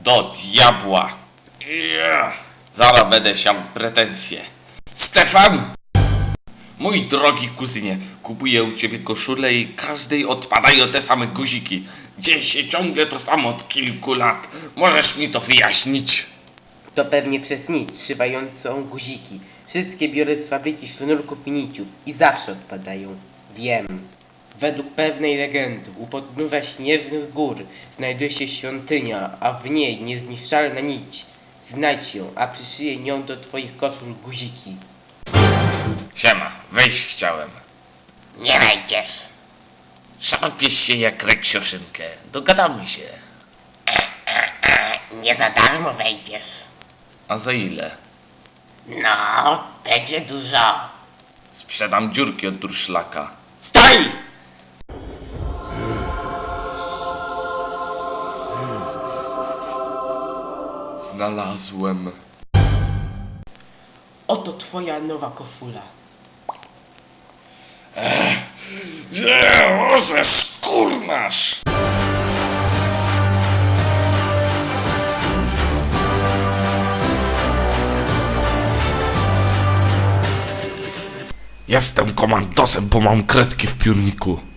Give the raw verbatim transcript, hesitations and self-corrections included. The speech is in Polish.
Do diabła! Yeah. Zaraz będę siał pretensje. Stefan! Mój drogi kuzynie, kupuję u ciebie koszulę i każdej odpadają te same guziki. Dzieje się ciągle to samo od kilku lat. Możesz mi to wyjaśnić? To pewnie przez nic trzymającą guziki. Wszystkie biorę z fabryki sznurków i niciów i zawsze odpadają. Wiem. Według pewnej legendy u podnóża śnieżnych gór znajduje się świątynia, a w niej niezniszczalna nić. Znajdź ją, a przyszyję nią do twoich koszul guziki. Siema, wejść chciałem. Nie wejdziesz. Szarpiesz się jak reksioszynkę. Dogadamy się. Nie za darmo wejdziesz. A za ile? No, będzie dużo. Sprzedam dziurki od durszlaka. Stoj! Znalazłem. Oto twoja nowa koszula. Może skurnasz! Jestem komandosem, bo mam kredki w piórniku.